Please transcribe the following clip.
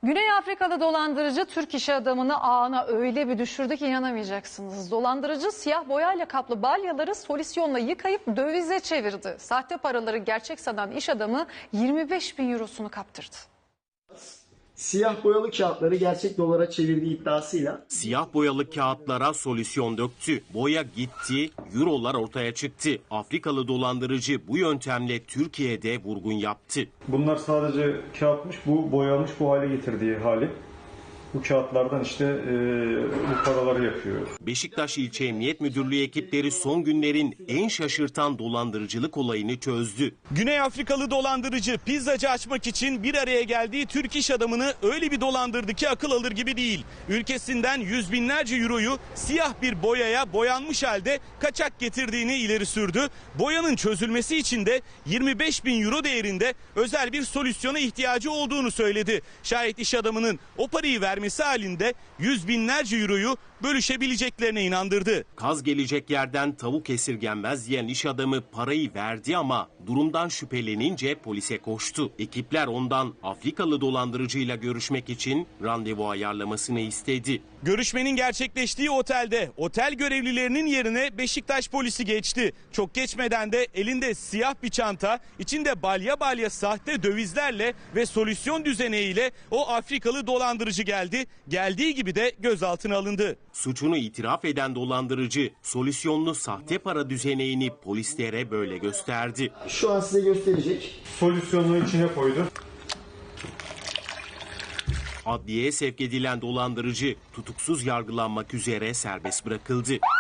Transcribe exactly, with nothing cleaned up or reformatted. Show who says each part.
Speaker 1: Güney Afrikalı dolandırıcı Türk iş adamını ağına öyle bir düşürdü ki inanamayacaksınız. Dolandırıcı siyah boyayla kaplı balyaları solüsyonla yıkayıp dövize çevirdi. Sahte paraları gerçek sanan iş adamı yirmi beş bin eurosunu kaptırdı.
Speaker 2: Siyah boyalı kağıtları gerçek dolara çevirdiği iddiasıyla
Speaker 3: Siyah boyalı kağıtlara solüsyon döktü. Boya gitti, eurolar ortaya çıktı. Afrikalı dolandırıcı bu yöntemle Türkiye'de vurgun yaptı.
Speaker 4: Bunlar sadece kağıtmış, bu boyanmış, bu hale getirdiği hali. Bu kağıtlardan işte e, bu paraları yapıyor.
Speaker 3: Beşiktaş İlçe Emniyet Müdürlüğü ekipleri son günlerin en şaşırtan dolandırıcılık olayını çözdü.
Speaker 5: Güney Afrikalı dolandırıcı pizzacı açmak için bir araya geldiği Türk iş adamını öyle bir dolandırdı ki akıl alır gibi değil. Ülkesinden yüz binlerce euroyu siyah bir boyaya boyanmış halde kaçak getirdiğini ileri sürdü. Boyanın çözülmesi için de yirmi beş bin euro değerinde özel bir solüsyona ihtiyacı olduğunu söyledi. Şayet iş adamının o parayı vermesi halinde yüz binlerce euroyu bölüşebileceklerine inandırdı.
Speaker 3: Kaz gelecek yerden tavuk esirgenmez diyen iş adamı parayı verdi ama durumdan şüphelenince polise koştu. Ekipler ondan Afrikalı dolandırıcıyla görüşmek için randevu ayarlamasını istedi.
Speaker 5: Görüşmenin gerçekleştiği otelde otel görevlilerinin yerine Beşiktaş polisi geçti. Çok geçmeden de elinde siyah bir çanta, içinde balya balya sahte dövizlerle ve solüsyon düzeneğiyle o Afrikalı dolandırıcı geldi. Geldiği gibi de gözaltına alındı.
Speaker 3: Suçunu itiraf eden dolandırıcı solüsyonlu sahte para düzeneğini polislere böyle gösterdi.
Speaker 2: şu an size gösterecek.
Speaker 4: Solüsyonunu içine koydu.
Speaker 3: Adliyeye sevk edilen dolandırıcı tutuksuz yargılanmak üzere serbest bırakıldı.